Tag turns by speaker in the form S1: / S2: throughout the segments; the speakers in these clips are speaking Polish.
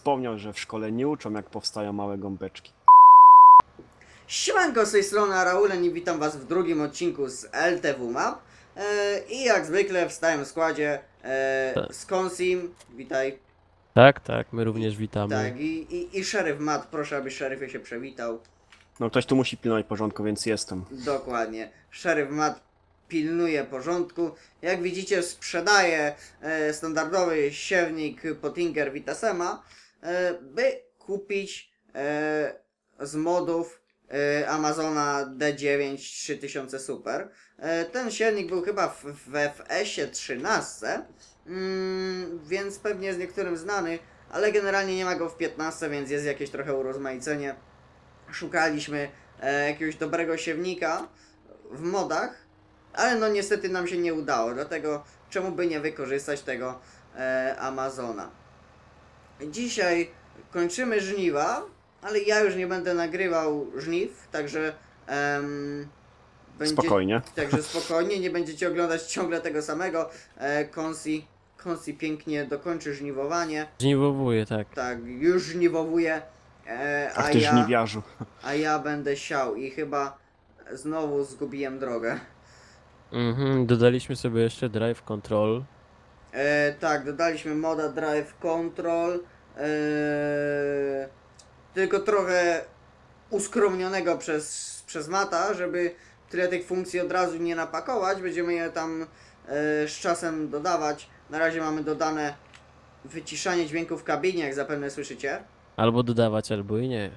S1: wspomniał, że w szkole nie uczą, jak powstają małe gąbeczki.
S2: Siemanko, z tej strony Raulen i witam was w drugim odcinku z LTW Map. I jak zwykle w stałym składzie z Konsim, witaj.
S3: Tak, tak, my również witamy.
S2: Tak, i szeryf Matt, proszę aby szeryfie się przewitał.
S1: No ktoś tu musi pilnować porządku, więc jestem.
S2: Dokładnie, szeryf Matt pilnuje porządku. Jak widzicie, sprzedaje standardowy siewnik Pottinger Vitasema, by kupić z modów Amazona D9 3000 Super. Ten silnik był chyba w FS-ie 13, więc pewnie jest niektórym znany, ale generalnie nie ma go w 15, więc jest jakieś trochę urozmaicenie. Szukaliśmy jakiegoś dobrego siewnika w modach, ale no niestety nam się nie udało, dlatego czemu by nie wykorzystać tego Amazona. Dzisiaj kończymy żniwa, ale ja już nie będę nagrywał żniw, także
S1: Spokojnie.
S2: Także spokojnie, nie będziecie oglądać ciągle tego samego. Konsi pięknie dokończy żniwowanie.
S3: Żniwowuje, tak.
S2: Tak, już żniwowuje,
S1: Ach ty żniwiarzu.
S2: a ja będę siał i chyba znowu zgubiłem drogę.
S3: Dodaliśmy sobie jeszcze Drive Control.
S2: Tak, dodaliśmy moda Drive Control, tylko trochę uskromnionego przez Mata, żeby tyle tych funkcji od razu nie napakować. Będziemy je tam z czasem dodawać. Na razie mamy dodane wyciszanie dźwięków w kabinie, jak zapewne słyszycie.
S3: Albo dodawać, albo i nie.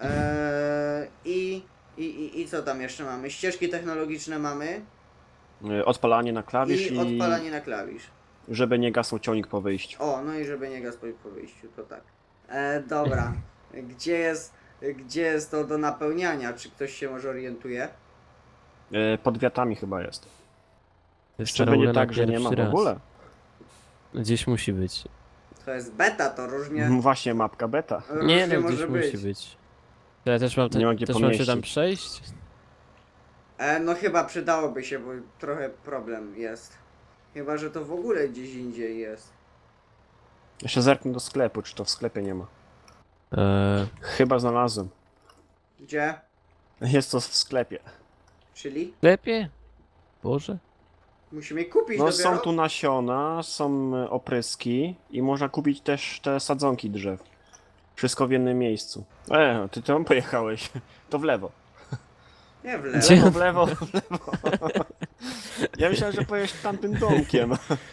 S2: I co tam jeszcze mamy? Ścieżki technologiczne mamy.
S1: Odpalanie na klawisz
S2: I odpalanie na klawisz.
S1: żeby nie gasł ciągnik po wyjściu.
S2: O, no i żeby nie gasł po wyjściu, to tak. Dobra. Gdzie jest to do napełniania? Czy ktoś się może orientuje?
S1: Pod wiatami chyba jest.
S3: To jest
S1: Jeszcze będzie
S3: Raulena
S1: tak, że nie ma w
S3: pierwszy raz.
S1: ogóle.
S3: Gdzieś musi być.
S2: To jest beta, to różnie,
S1: Właśnie mapka beta.
S3: Nie,
S2: różnie
S3: no
S2: może
S3: gdzieś
S2: być.
S3: musi być. To ja też mam,
S1: Nie ma gdzie
S3: też mam się tam
S1: pomieścić.
S3: przejść?
S2: No chyba przydałoby się, bo trochę problem jest. Chyba, że to w ogóle gdzieś indziej jest.
S1: Jeszcze zerknę do sklepu, czy to w sklepie nie ma. Chyba znalazłem.
S2: Gdzie?
S1: Jest to w sklepie.
S2: Czyli?
S3: Sklepie? Boże.
S2: Musimy kupić
S1: No
S2: dopiero?
S1: są tu nasiona, są opryski i można kupić też te sadzonki drzew. Wszystko w jednym miejscu. Ty tam pojechałeś. To w lewo.
S2: Nie, w lewo.
S3: Gdzie?
S1: W lewo, w lewo. Ja myślałem, że pojedziesz tamtym domkiem.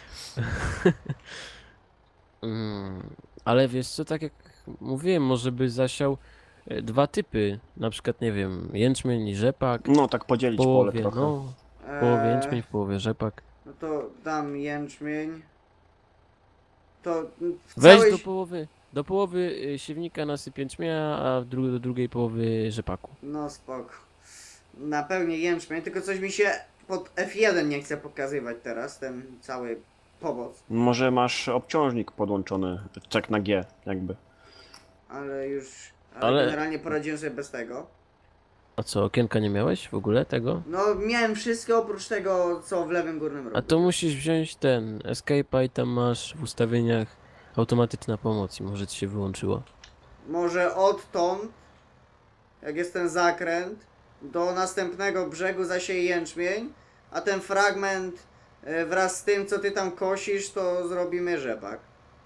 S3: Ale wiesz co, tak jak mówiłem, może by zasiał dwa typy. Na przykład, nie wiem, jęczmień i rzepak.
S1: No tak podzielić
S3: W
S1: pole
S3: połowie,
S1: trochę.
S3: no. W połowie jęczmień, w połowie rzepak.
S2: No to dam jęczmień. To w
S3: Weź
S2: całej...
S3: do połowy siewnika nasyp jęczmienia, a do drugiej połowy rzepaku.
S2: No spoko. Napełnię jęczmień, tylko coś mi się pod F1 nie chce pokazywać teraz, ten cały powoz.
S1: Może masz obciążnik podłączony, czek na G jakby.
S2: Ale już...
S3: Ale-
S2: generalnie poradziłem sobie bez tego.
S3: A co, okienka nie miałeś w ogóle tego?
S2: No miałem wszystko oprócz tego, co w lewym górnym rogu.
S3: A to musisz wziąć ten Escape'a i tam masz w ustawieniach automatyczna pomoc i może ci się wyłączyło.
S2: Może odtąd, jak jest ten zakręt, do następnego brzegu zasieje jęczmień, a ten fragment wraz z tym, co ty tam kosisz, to zrobimy rzepak.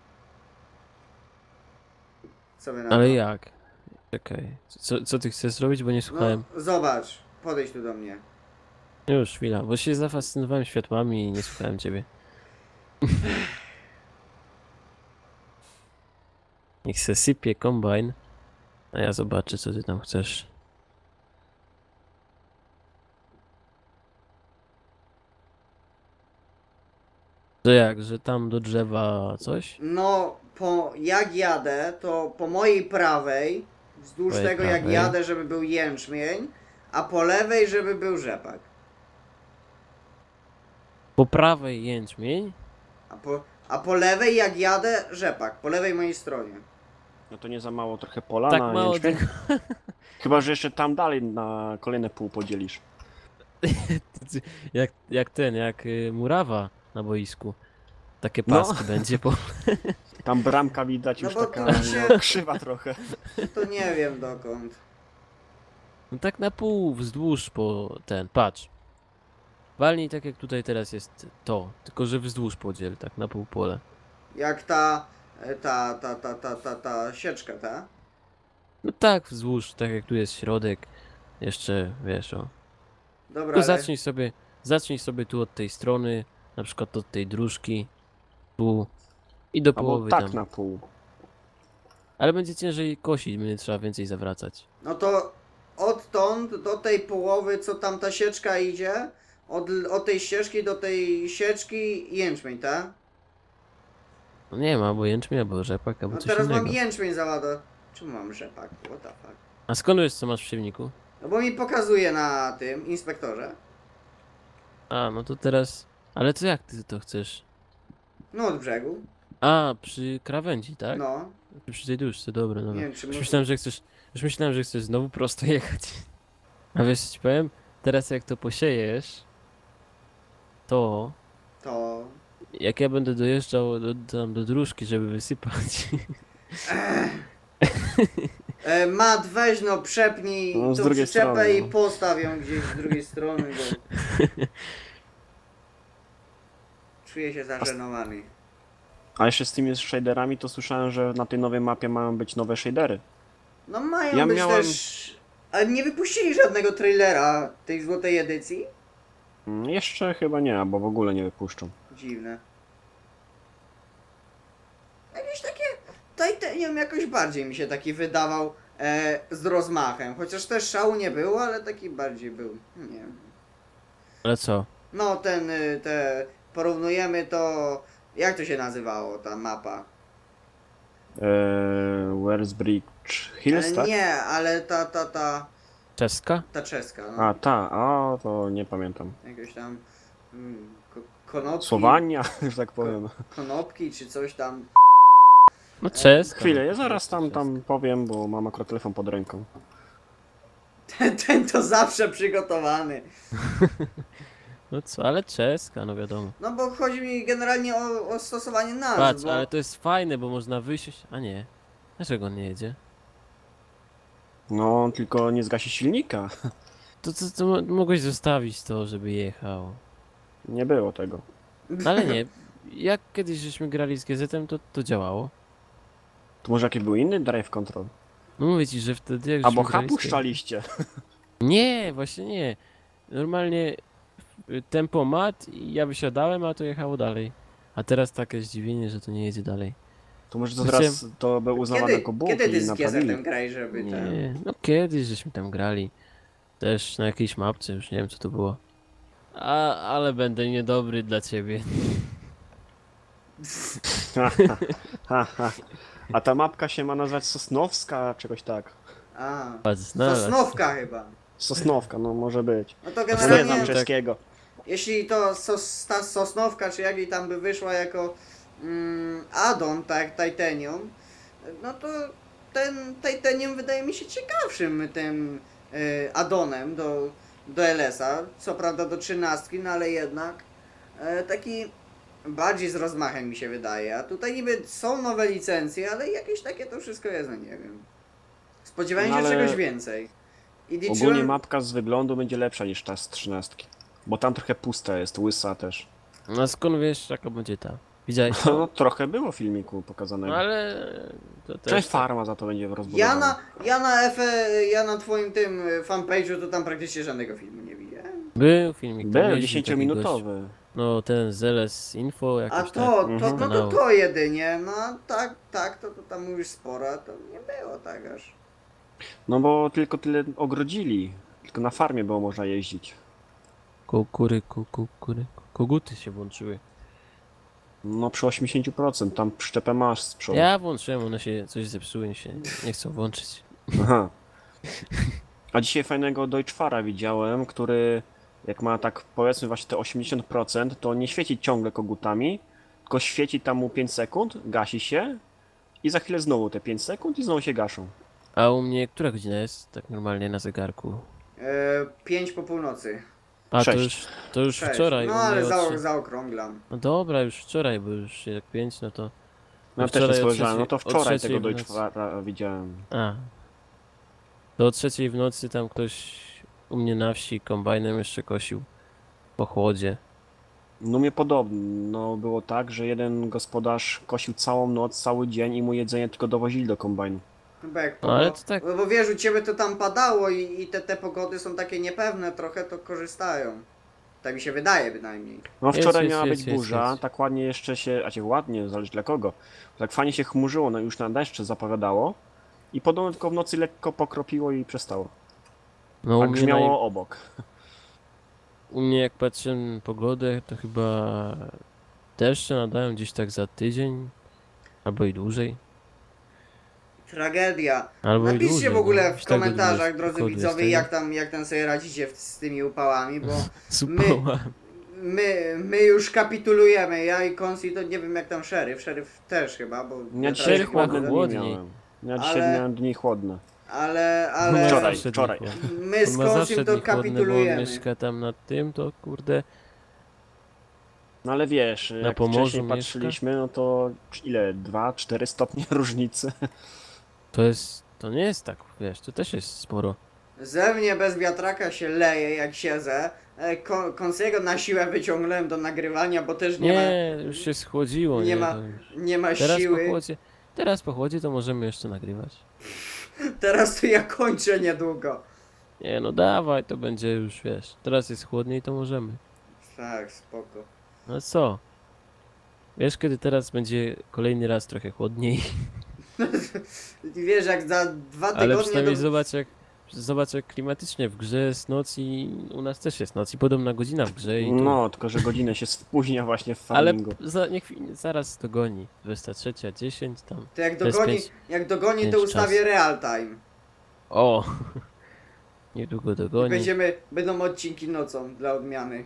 S2: Co wy na
S3: Ale
S2: to?
S3: jak? Czekaj, co ty chcesz zrobić, bo nie słuchałem.
S2: No, zobacz, podejdź tu do mnie.
S3: Już, chwila, bo się zafascynowałem światłami i nie słuchałem ciebie. Niech se sypie kombajn, a ja zobaczę, co ty tam chcesz. To jak, że tam do drzewa coś?
S2: No, jak jadę, to po mojej prawej, wzdłuż
S3: Twojej
S2: tego jak
S3: prawej.
S2: jadę, żeby był jęczmień, a po lewej, żeby był rzepak.
S3: Po prawej jęczmień,
S2: A po lewej jak jadę, rzepak, po lewej mojej stronie.
S1: No to nie za mało trochę pola
S3: tak
S1: na
S3: mało
S1: jęczmień?
S3: tego.
S1: Chyba, że jeszcze tam dalej na kolejne pół podzielisz.
S3: Jak murawa na boisku. Takie
S1: No.
S3: paski będzie po...
S1: Tam bramka widać
S2: No
S1: już
S2: bo
S1: taka
S2: tu się-
S1: no, krzywa trochę.
S2: To nie wiem dokąd.
S3: No tak na pół, wzdłuż po ten, patrz. Walnij tak jak tutaj teraz jest to, tylko że wzdłuż podziel, tak na pół pole.
S2: Jak ta sieczka, ta?
S3: No tak, wzdłuż, tak jak tu jest środek. Jeszcze, wiesz, o.
S2: Dobra,
S3: Tylko
S2: ale...
S3: zacznij sobie tu od tej strony, na przykład od tej dróżki, tu i do
S1: Albo
S3: połowy
S1: tak
S3: tam.
S1: na pół.
S3: Ale będzie ciężej kosić, będzie trzeba więcej zawracać.
S2: No to odtąd do tej połowy, co tam ta sieczka idzie, od tej ścieżki do tej sieczki jęczmień, tak?
S3: No nie ma, albo jęczmień, albo rzepak, albo
S2: No
S3: coś
S2: teraz
S3: innego.
S2: mam jęczmień załadować. Czemu mam rzepak? What the fuck?
S3: A skąd wiesz, co masz w siewniku?
S2: No bo mi pokazuje na tym inspektorze.
S3: A, no to teraz... Ale to jak ty to chcesz?
S2: No od brzegu.
S3: A, przy krawędzi, tak?
S2: No.
S3: Przy tej duszce, dobra, dobra.
S2: Nie wiem, czy
S3: Już
S2: może...
S3: myślałem, że chcesz znowu prosto jechać. A wiesz, co ci powiem? Teraz jak to posiejesz, to
S2: To...
S3: jak ja będę dojeżdżał tam do dróżki, żeby wysypać.
S2: Mat, weź no, przepnij
S1: No, z
S2: tą
S1: drugiej
S2: przyczepę
S1: strony,
S2: i
S1: no.
S2: postaw ją gdzieś z drugiej strony, bo... Czuję się zażenowany.
S1: A jeszcze z tymi shaderami to słyszałem, że na tej nowej mapie mają być nowe shadery.
S2: No mają
S1: Ja
S2: być
S1: miałem-
S2: też... Ale nie wypuścili żadnego trailera tej złotej edycji?
S1: Jeszcze chyba nie, albo w ogóle nie wypuszczą.
S2: Dziwne. Jakieś takie... Titanium jakoś bardziej mi się taki wydawał z rozmachem. Chociaż też szału nie było, ale taki bardziej był. Nie wiem.
S3: Ale co?
S2: No porównujemy to... Jak to się nazywało ta mapa?
S1: Where's Bridge Hills,
S2: Ale
S1: tak?
S2: nie, ale
S3: Czeska?
S2: ta czeska, no.
S1: A, a to nie pamiętam.
S2: Jakieś tam... konopki.
S1: Słowania, że tak powiem.
S2: Konopki czy coś tam.
S3: No czeska.
S1: Chwilę, ja
S3: no,
S1: zaraz tam
S3: czeska.
S1: powiem, bo mam akurat telefon pod ręką.
S2: Ten to zawsze przygotowany.
S3: No co, ale czeska, no wiadomo.
S2: No bo chodzi mi generalnie o stosowanie nazw,
S3: Patrz,
S2: bo...
S3: ale to jest fajne, bo można wyjść... A nie. Dlaczego on nie jedzie?
S1: No, tylko nie zgasi silnika.
S3: To mogłeś zostawić to, żeby jechał.
S1: Nie było tego.
S3: No ale nie. Jak kiedyś żeśmy grali z GZ-em, to działało.
S1: To może jaki był inny drive control?
S3: No mówię ci, że wtedy jak
S1: Albo
S3: żeśmy grali z GZ-em-
S1: puszczaliście.
S3: Nie, właśnie nie. Normalnie tempomat i ja wysiadałem, a to jechało dalej. A teraz takie zdziwienie, że to nie jedzie dalej.
S1: To może to
S3: Chciałem-
S1: teraz to był uznawane jako bóg
S2: Kiedy ty
S1: i
S2: z
S1: naprawili.
S2: GZ-em graj, żeby ten...
S3: Nie, no kiedyś żeśmy tam grali. Też na jakiejś mapce, już nie wiem co to było. Ale będę niedobry dla ciebie.
S1: A ta mapka się ma nazywać Sosnowska, czegoś tak.
S2: A,
S3: Patrz, znalazł.
S2: Sosnówka chyba.
S1: Sosnowka, no może być.
S2: No to
S1: Nie znam
S2: generalnie,
S3: tak.
S1: czeskiego.
S2: jeśli to ta Sosnowka, czy jak jej tam by wyszła jako addon, tak, Titanium, no to ten Titanium wydaje mi się ciekawszym tym addonem do LS-a, co prawda do 13, no ale jednak taki bardziej z rozmachem mi się wydaje, a tutaj niby są nowe licencje, ale jakieś takie to wszystko jest, no nie wiem. Spodziewałem
S1: No
S2: się
S1: ale
S2: czegoś więcej. I
S1: Ogólnie
S2: liczyłem...
S1: mapka z wyglądu będzie lepsza niż ta z 13. Bo tam trochę pusta jest, łysa też.
S3: No skąd wiesz, jaka będzie ta? Widziałeś
S1: No
S3: to?
S1: trochę było w filmiku pokazanego.
S3: No ale... To też
S1: Cześć
S3: tak.
S1: farma za to będzie rozbudowana.
S2: Ja na twoim tym fanpage'u to tam praktycznie żadnego filmu nie widziałem.
S3: Był filmik. tam
S1: Był
S3: mieliśmy taki
S1: 10-minutowy.
S3: gość. No ten ZLS Info
S2: A
S3: jakoś
S2: to,
S3: tak.
S1: Mhm.
S2: no to
S3: Kanału.
S2: to jedynie, no tak, to tam mówisz sporo, to nie było tak aż.
S1: No bo tylko tyle ogrodzili. Tylko na farmie było można jeździć.
S3: Koguty się włączyły.
S1: No przy 80%, tam przyczepę masz z przodu.
S3: Ja włączyłem, one się coś zepsuły, się nie chcą włączyć.
S1: Aha. A dzisiaj fajnego Deutschfara widziałem, który jak ma tak powiedzmy właśnie te 80%, to nie świeci ciągle kogutami, tylko świeci tam mu 5 sekund, gasi się i za chwilę znowu te 5 sekund i znowu się gaszą.
S3: A u mnie która godzina jest tak normalnie na zegarku?
S2: 5 po północy.
S3: A
S1: Sześć.
S3: to już
S2: 6.
S3: wczoraj.
S2: No
S3: u mnie
S2: ale
S3: od trzy-
S2: zaokrąglam.
S3: No dobra, już wczoraj, bo już jak 5, no to
S1: No też
S3: wczoraj
S1: nie
S3: o
S1: spojrzałem, no to
S3: trzeciej- o
S1: wczoraj
S3: trzeciej
S1: tego
S3: w nocy.
S1: Deutschfara widziałem.
S3: A. To o 3 w nocy tam ktoś u mnie na wsi kombajnem jeszcze kosił. Po chłodzie.
S1: No mnie podobno było tak, że jeden gospodarz kosił całą noc, cały dzień i mu jedzenie tylko dowozili do kombajnu.
S2: Chyba jak
S3: No, ale to tak-
S2: bo wiesz, u ciebie to tam padało i te pogody są takie niepewne trochę, to korzystają. Tak mi się wydaje bynajmniej.
S1: No
S3: Jest,
S1: wczoraj
S3: jest,
S1: miała
S3: jest,
S1: być
S3: jest,
S1: burza,
S3: jest.
S1: tak ładnie jeszcze się, ładnie, zależy dla kogo. Tak fajnie się chmurzyło, no już na deszcze zapowiadało. I podobno tylko w nocy lekko pokropiło i przestało.
S3: No
S1: A
S3: u mnie,
S1: grzmiało obok.
S3: u mnie jak patrzę na pogodę, to chyba deszcze nadają gdzieś tak za tydzień. Albo i dłużej.
S2: Tragedia.
S3: Albo i
S2: Napiszcie
S3: dłużej,
S2: w ogóle
S3: no.
S2: w
S3: Już tego
S2: komentarzach,
S3: dłużej
S2: drodzy
S3: pokoju jest
S2: widzowie,
S3: tego.
S2: jak tam sobie radzicie z tymi upałami, bo
S3: Zupoła.
S2: my już kapitulujemy. Ja i Konsi to nie wiem jak tam szeryf. Szeryf też chyba, bo
S1: Ja
S2: ja
S1: dzisiaj
S3: Szeryf ma
S1: chłodne dni
S3: chłodniej.
S1: miałem. Ja dzisiaj
S2: Ale-
S1: miałem dni chłodne.
S2: ale
S3: Ma
S1: Wczoraj,
S3: zawsze
S1: wczoraj.
S3: dni chłodne.
S2: my z
S3: On ma zawsze
S2: Konsim to
S3: dni chłodne, bo on
S2: kapitulujemy.
S3: mieszka tam nad tym, to kurde.
S1: No ale wiesz, jak
S3: Pomorzu
S1: wcześniej
S3: mieszka?
S1: patrzyliśmy, no to ile? 2-4 stopnie różnicy.
S3: To nie jest tak, wiesz, to też jest sporo.
S2: Ze mnie bez wiatraka się leje jak siedzę. Konsiego na siłę wyciągnąłem do nagrywania, bo też
S3: Nie, już się schłodziło,
S2: nie
S3: nie?
S2: ma
S3: To już-
S2: nie ma
S3: Teraz po
S2: siły.
S3: chłodzie, teraz po chłodzie to możemy jeszcze nagrywać.
S2: Teraz to ja kończę niedługo.
S3: Nie no dawaj, to będzie już, wiesz, teraz jest chłodniej, to możemy.
S2: Tak, spoko.
S3: No co? Wiesz, kiedy teraz będzie kolejny raz trochę chłodniej,
S2: Wiesz, jak za 2
S3: ale
S2: tygodnie
S3: przynajmniej
S2: do...
S3: zobacz jak klimatycznie w grze jest noc i u nas też jest noc i podobna godzina w grze i tu.
S1: No, tylko że godzinę się spóźnia właśnie w
S3: Ale
S1: farmingu.
S3: zaraz dogoni. 23:10 tam.
S2: To jak
S3: To jest
S2: dogoni,
S3: pięć-
S2: jak dogoni to
S3: pięć
S2: ustawię
S3: czas.
S2: real time.
S3: O! Niedługo
S2: I
S3: dogoni.
S2: będą odcinki nocą dla odmiany.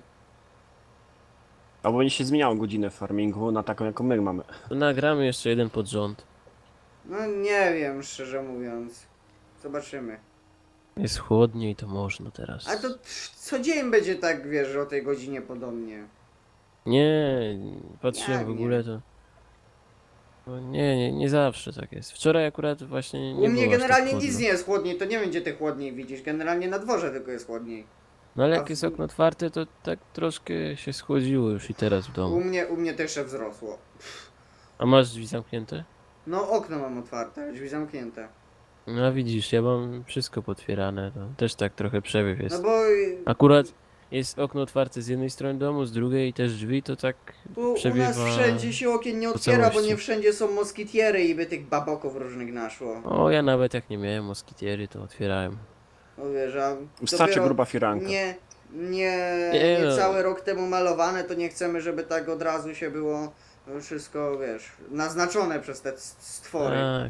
S1: Albo będzie się zmieniało godzinę w farmingu na taką, jaką my mamy.
S3: To nagramy jeszcze jeden pod rząd.
S2: No nie wiem, szczerze mówiąc. Zobaczymy.
S3: Jest chłodniej, to można teraz.
S2: A to co dzień będzie tak, wiesz, o tej godzinie podobnie.
S3: Nie, patrzyłem
S2: Jak
S3: w ogóle to. No nie zawsze tak jest. Wczoraj akurat właśnie nie
S2: U mnie
S3: było aż
S2: generalnie
S3: tak
S2: nic
S3: chłodno.
S2: nie jest chłodniej, to nie wiem gdzie ty chłodniej widzisz. Generalnie na dworze tylko jest chłodniej.
S3: No ale
S2: a
S3: jak
S2: w-
S3: jest okno otwarte, to tak troszkę się schłodziło już i teraz w
S2: U
S3: domu.
S2: mnie też się wzrosło.
S3: A masz drzwi zamknięte?
S2: No okno mam otwarte, drzwi zamknięte.
S3: No a widzisz, ja mam wszystko potwierane, to też tak trochę przewiew
S2: No
S3: jest.
S2: bo
S3: Akurat jest okno otwarte z jednej strony domu, z drugiej i też drzwi, to tak
S2: tu u
S3: przewiewa...
S2: nas wszędzie się okien nie
S3: po
S2: otwiera, bo
S3: całości.
S2: nie wszędzie są moskitiery i by tych baboków różnych naszło.
S3: O, ja nawet jak nie miałem moskitiery, to otwierałem.
S2: No wiesz, a
S1: Wystarczy
S2: dopiero
S1: gruba firanka.
S2: nie
S3: no.
S2: cały rok temu malowane, to nie chcemy, żeby tak od razu się było wszystko, wiesz, naznaczone przez te stwory.
S3: Tak.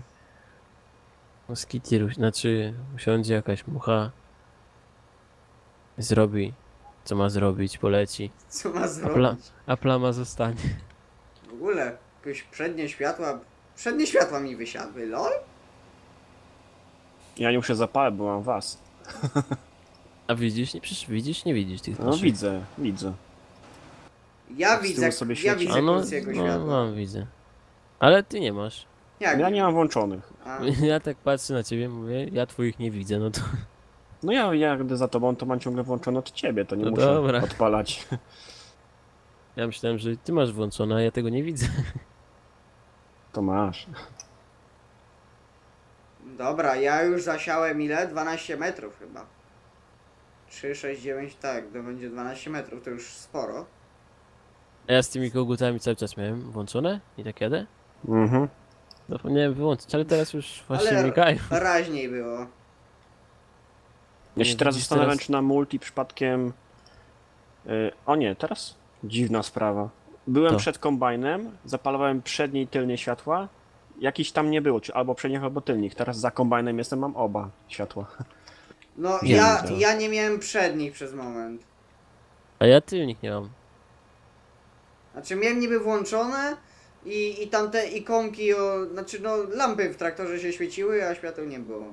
S3: Moskitier, znaczy usiądzie jakaś mucha, zrobi co ma zrobić, poleci,
S2: Co ma
S3: a,
S2: zrobić?
S3: a plama zostanie.
S2: W ogóle, jakieś przednie światła mi wysiadły, lol?
S1: Ja nie muszę zapalać, bo mam was.
S3: A widzisz, przecież widzisz, nie widzisz tych
S1: No
S3: naszych.
S1: widzę.
S2: Ja
S1: Tak z tyłu
S2: widzę,
S1: sobie
S2: ja
S1: świeci.
S2: widzę
S3: A no,
S2: krótkiego
S3: no
S2: światła.
S3: mam, widzę. Ale ty nie masz.
S2: Jak?
S1: Ja nie mam włączonych.
S2: A,
S3: Ja tak patrzę na ciebie, mówię, ja twoich nie widzę, no to...
S1: No ja gdy za tobą, to mam ciągle włączone od ciebie, to nie
S3: No
S1: muszę
S3: dobra.
S1: odpalać.
S3: Ja myślałem, że ty masz włączone, a ja tego nie widzę.
S1: To masz.
S2: dobra, ja już zasiałem ile? 12 metrów chyba. 3, 6, 9, tak, to będzie 12 metrów, to już sporo.
S3: A ja z tymi kogutami cały czas miałem włączone i tak jadę.
S1: Mhm.
S3: Zapomniałem wyłączyć, ale teraz już właśnie
S2: Ale
S3: migają.
S2: raźniej było.
S1: Ja
S3: Nie,
S1: się teraz
S3: widzisz,
S1: zastanawiam,
S3: teraz-
S1: czy na multi przypadkiem... O nie, teraz? Dziwna sprawa. Byłem
S3: To.
S1: przed kombajnem, zapalałem przednie i tylnie światła. Jakiś tam nie było, czy albo przednich, albo tylnych. Teraz za kombajnem jestem, mam oba światła.
S2: No
S3: Nie
S2: ja,
S3: widzę.
S2: ja nie miałem przednich przez moment.
S3: A ja tylnik nie mam.
S2: Znaczy miałem niby włączone i tamte ikonki, znaczy no lampy w traktorze się świeciły, a świateł nie było.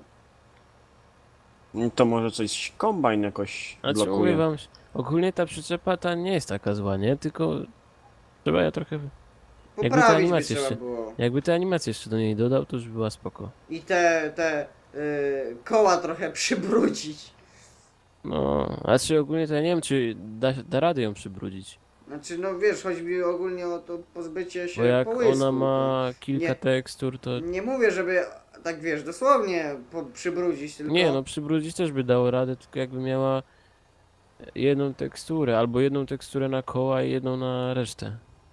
S1: To może coś kombajn jakoś
S3: Znaczy mówię
S1: blokuje.
S3: wam, ogólnie ta przyczepa ta nie jest taka zła, nie? Tylko trzeba ja trochę Jakby te
S2: Poprawić by
S3: animacje
S2: trzeba
S3: jeszcze,
S2: było.
S3: jakby te animacje jeszcze do niej dodał, to już była spoko.
S2: I te koła trochę przybrudzić.
S3: No, a czy ogólnie to ja nie wiem, czy da radę ją przybrudzić.
S2: Znaczy, no wiesz, chodzi mi ogólnie o to pozbycie się
S3: Bo jak
S2: połysku.
S3: ona ma kilka
S2: nie-
S3: tekstur, to...
S2: Nie mówię, żeby tak wiesz, dosłownie przybrudzić, tylko...
S3: Nie, no przybrudzić też by dało radę, tylko jakby miała jedną teksturę, albo jedną teksturę na koła i jedną na resztę.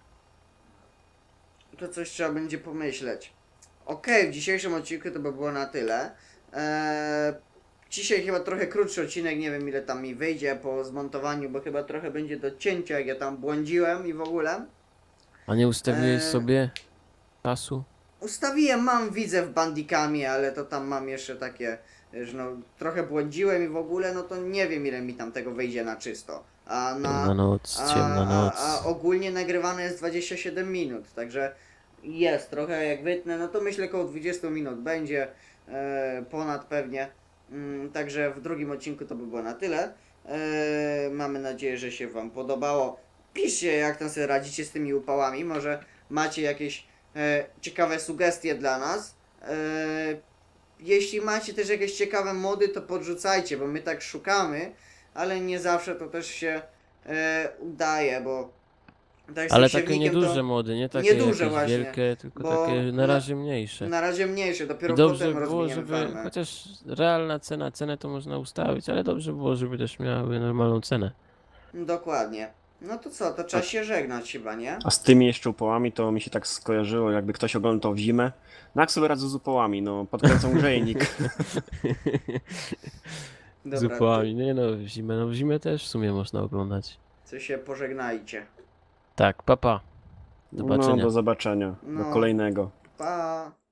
S2: To coś trzeba będzie pomyśleć. Okej, w dzisiejszym odcinku to by było na tyle. Dzisiaj chyba trochę krótszy odcinek, nie wiem ile tam mi wyjdzie po zmontowaniu, bo chyba trochę będzie do cięcia, jak ja tam błądziłem i w ogóle.
S3: A nie ustawiłeś
S2: Eee.
S3: sobie czasu?
S2: Ustawiłem, mam widzę w bandikami, ale to tam mam jeszcze takie, że no trochę błądziłem i w ogóle, no to nie wiem ile mi tam tego wyjdzie na czysto. A
S3: Ciemna noc, ciemna noc.
S2: A ogólnie nagrywane jest 27 minut, także jest trochę jak wytnę, no to myślę około 20 minut będzie, ponad pewnie. Także w drugim odcinku to by było na tyle. Mamy nadzieję, że się Wam podobało. Piszcie jak tam sobie radzicie z tymi upałami, może macie jakieś ciekawe sugestie dla nas. Jeśli macie też jakieś ciekawe mody, to podrzucajcie, bo my tak szukamy, ale nie zawsze to też się udaje, bo tak z
S3: Ale
S2: tym
S3: takie
S2: siewnikiem
S3: nieduże
S2: to
S3: mody, nie takie
S2: nieduże
S3: jakieś
S2: właśnie,
S3: wielkie, tylko
S2: bo
S3: takie na razie mniejsze.
S2: na razie mniejsze, dopiero
S3: I dobrze
S2: potem
S3: było,
S2: rozwiniemy
S3: żeby,
S2: farmę.
S3: chociaż realna cena, cenę to można ustawić, ale dobrze było, żeby też miały normalną cenę.
S2: Dokładnie. No to co, to trzeba się żegnać chyba, nie?
S1: A z tymi jeszcze upałami to mi się tak skojarzyło, jakby ktoś oglądał to w zimę. No jak sobie radzę z upałami, no podkręcam grzejnik.
S3: Z upałami, nie no w zimę też w sumie można oglądać.
S2: Co się pożegnajcie.
S3: Tak, papa.
S1: No
S3: Zobaczenia.
S1: do zobaczenia,
S2: No.
S1: do kolejnego.
S2: Pa!